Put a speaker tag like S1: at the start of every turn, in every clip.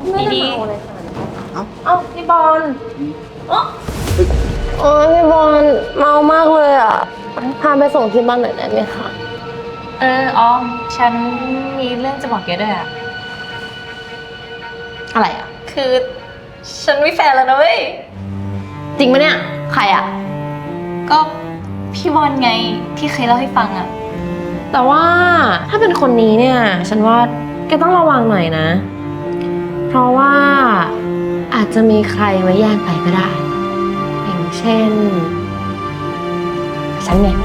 S1: ไม่ได้เมาอะไรขนาดนั้นเอ้าพี่บอลโอ้พี่บอลเมามากเลยอ่ะพาไปส่งที่บ้านหน่อยได้ไหมคะ
S2: ออมฉันมีเรื่องจะบอกแกด้วยอะ
S1: อะไรอ่ะ
S2: คือฉันมีแฟนแล้วนะเว้ย
S1: จริงปะเนี่ยใครอ่ะ
S2: ก็พี่บอลไงที่เคยเล่าให้ฟังอะ
S1: แต่ว่าถ้าเป็นคนนี้เนี่ยฉันว่าแกต้องระวังหน่อยนะเพราะว่าอาจจะมีใครมาแย่งไปก็ได้อย่างเช่นฉันไง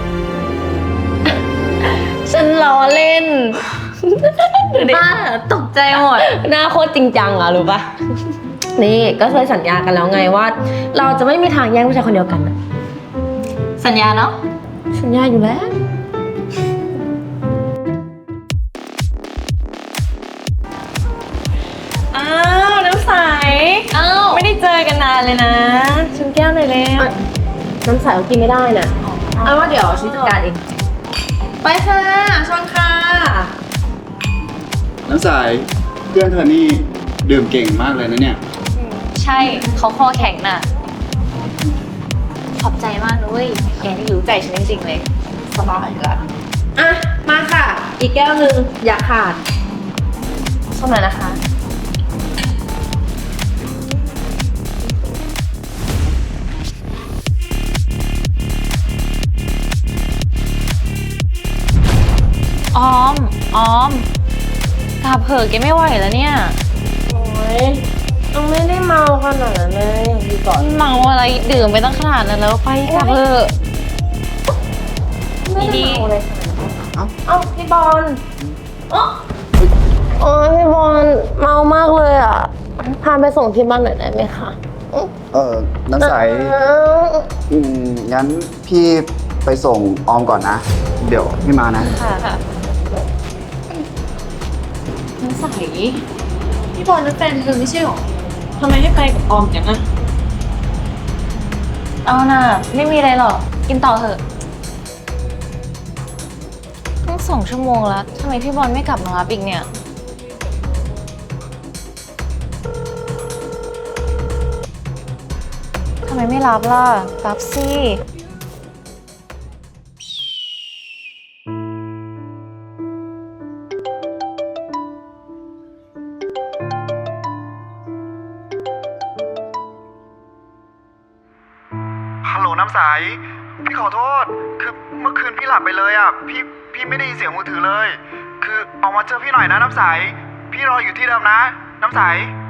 S1: ฉันล้อเล่น
S2: บ้าตกใจหมด
S1: หน้าโคตรจริงจังอะรู้ปะนี่ก็เคยสัญญากันแล้วไงว่าเราจะไม่มีทางแย่งผู้ชายคนเดียวกันอะ
S2: สัญญาเนาะ
S1: สัญญาอยู่แล้ว
S2: อ้าวน้ำใสไม่ได้เจอกันนานเลยนะชิมแก้วหน่อยแล้ว
S1: น้ำใสเขากินไม่ได้น่ะเอาว่าเดี๋ยวฉันจัดการเองไปค่ะชวนค่ะ
S3: น้ำใสเพื่อนเธอนี่ดื่มเก่งมากเลยนะเนี่ย
S2: ใช่เขาคอแข็งน่ะขอบใจมากเลยแกนี่รู้ใจฉันจริงๆเลย
S1: สบายละอ่ะมาค่ะอีกแก้วนึงอย่าขาดส้มหน่อยนะคะ
S2: ออมกลับเถอะแกไม่ไหวแล้วเนี่ย
S1: โอ้ยยังไม่ได้เมาขนาดนั้นเลยดีก่อน
S2: เมาอะไรดื่มไปตั้งขนาดนั้นแล้วไปกลับเถอะ
S1: ไม่ได้เมาอะไรขนาดนั้นเอ้าพี่บอลโอ้ยพี่บอลเมามากเลยอ่ะพาไปส่งที่บ้านหน่อยได้ไหมคะ
S3: น้ำใสงั้นพี่ไปส่งออมก่อนนะเดี๋ยวพี่มานะ
S2: ค่ะน้ำใสพี่บอลนั่นแฟนเธอไม่ใช่หรอทำไมให้ไปกับออมจังอะเอาน่ะไม่มีอะไรหรอกกินต่อเถอะตั้ง2 ชั่วโมงแล้วทำไมพี่บอลไม่กลับมารับอีกเนี่ยทำไมไม่รับล่ะรับสิ
S3: ฮัลโหลน้ำใสพี่ขอโทษคือเมื่อคืนพี่หลับไปเลยอ่ะพี่ไม่ได้ยินเสียงมือถือเลยคือออกมาเจอพี่หน่อยนะน้ำใสพี่รออยู่ที่เดิมนะน้ำใส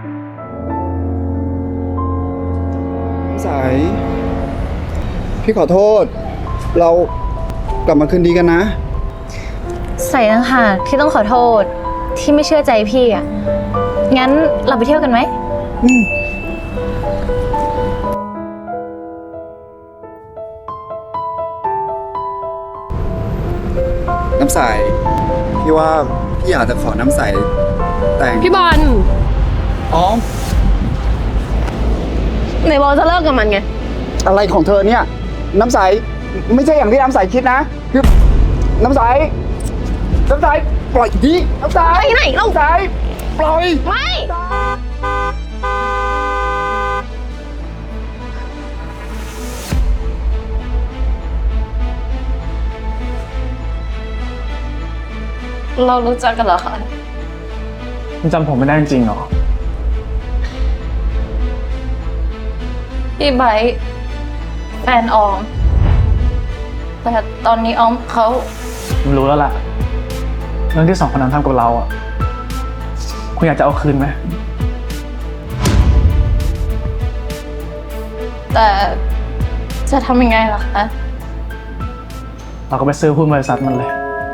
S3: พี่ขอโทษเรากลับมาคืนดีกันนะ
S2: ใส่ต่างหากที่ต้องขอโทษที่ไม่เชื่อใจพี่อ่ะงั้นเราไปเที่ยวกันไหม
S3: น้ำใสพี่ว่าพี่อยากจะขอน้ำใสแต่ง
S1: พี่บอล
S3: อ๋อ
S1: ไหนบอกจะเลิกกับมันไง
S3: อะไรของเธอเนี่ยน้ำใสไม่ใช่อย่างที่น้ำใสคิดนะคือน้ำใสปล่อยดิน้ำใส
S1: ไปไหนเล่า
S3: น้ำใสปล่อย
S1: ไม่เรารู้จักกันเหรอคะ
S4: คุณจำผมไม่ได้จริงเหรอ
S2: พี่ไบร์ทแฟนออมแต่ตอนนี้ออมเขา
S4: ผมรู้แล้วล่ะเรื่องที่2 คนนั้นทำกับเราอ่ะคุณอยากจะเอาคืนไหม
S2: แต่จะทำยังไงล่ะคะ
S4: เราก็ไปซื้อหุ้นบริษัทมันเลย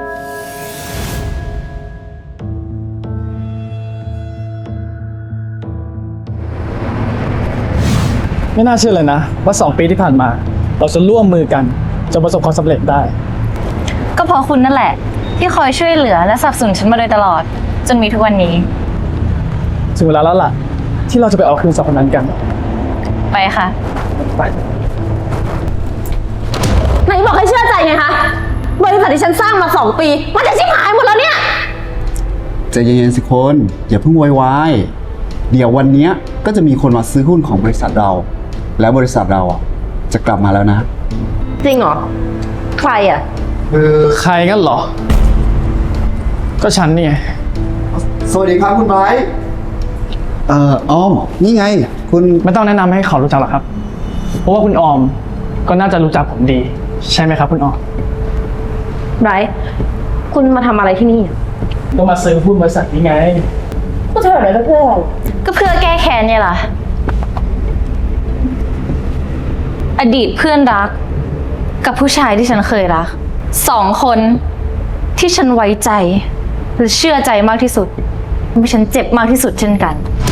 S4: ไม่น่าเชื่อเลยนะว่า2 ปีที่ผ่านมาเราจะร่วมมือกันจนประสบความสำเร็จได้
S2: ก็เพราะคุณนั่นแหละที่คอยช่วยเหลือและสนับสนุนฉันมาโดยตลอดจนมีทุกวันนี้
S4: ถึงเวลาแล้วล่ะที่เราจะไปเอาคืน2 คนนั้นกัน
S2: ไปค่ะ
S4: ไป
S1: ไหนบอกให้เชื่อใจไงคะบริษัทที่ฉันสร้างมา2 ปีมันจะชิบหายหมดแล้วเนี่ย
S3: ใจเย็นๆสิคนอย่าเพิ่งโวยวายเดี๋ยววันเนี้ยก็จะมีคนมาซื้อหุ้นของบริษัทเรา แล้วบริษัทเราอ่ะจะกลับมาแล้วนะ
S1: จริงเหรอ ใครอ่ะ
S4: ใครกันเหรอ ก็ฉันนี่ไง
S3: สวัสดีครับคุณไบร์ทอ้อม นี่ไง คุณ
S4: ไม่ต้องแนะนำให้เขารู้จักหรอกครับ เพราะว่าคุณออมก็น่าจะรู้จักผมดี ใช่ไหมครับคุณออม
S1: ไบรท์คุณมาทำอะไรที่นี่อะ
S4: ก็มาซื้อหุ้นบริษัทนี้ไง
S1: พูดเถอะเลยเพื่อน
S2: ก็เพื่อแก้แค้นเนี่ยล่ะ อดีตเพื่อนรัก กับผู้ชายที่ฉันเคยรัก 2 คนที่ฉันไว้ใจหรือเชื่อใจมากที่สุดทำให้ฉันเจ็บมากที่สุดเช่นกัน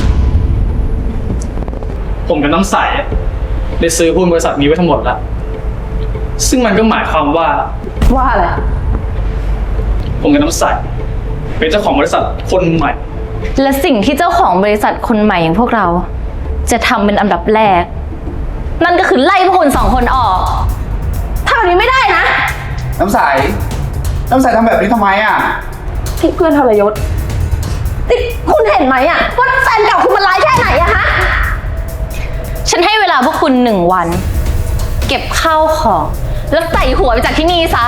S4: ผมกับน้ำใสได้ซื้อหุ้นบริษัทนี้ไว้ทั้งหมดแล้ว ซึ่งมันก็หมายความว่า
S1: ว่าอะไร
S4: ผมกับน้ำใสเป็นเจ้าของบริษัทคนใหม่
S2: และสิ่งที่เจ้าของบริษัทคนใหม่อย่างพวกเรา จะทำเป็นอันดับแรก นั่นก็คือไล่พวกคุณ2 คนออก
S1: ทำแบบนี้ไม่ได้นะ
S3: น้ำใสทำแบบนี้ทำไมอ่ะ
S1: พี่เพื่อนทรยศนี่คุณเห็นไหมอ่ะว่าแฟนเก่าคุณมันร้ายแค่ไหนอะฮะ
S2: ฉันให้เวลาพวกคุณ1 วัน เก็บข้าวของแล้วใส่หัวไปจากที่นี่ซะ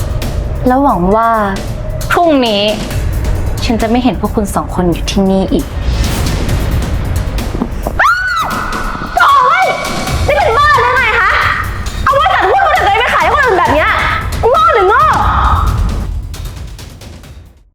S2: แล้วหวังว่าพรุ่งนี้ ฉันจะไม่เห็นพวกคุณ2 คนอยู่ที่นี่อีก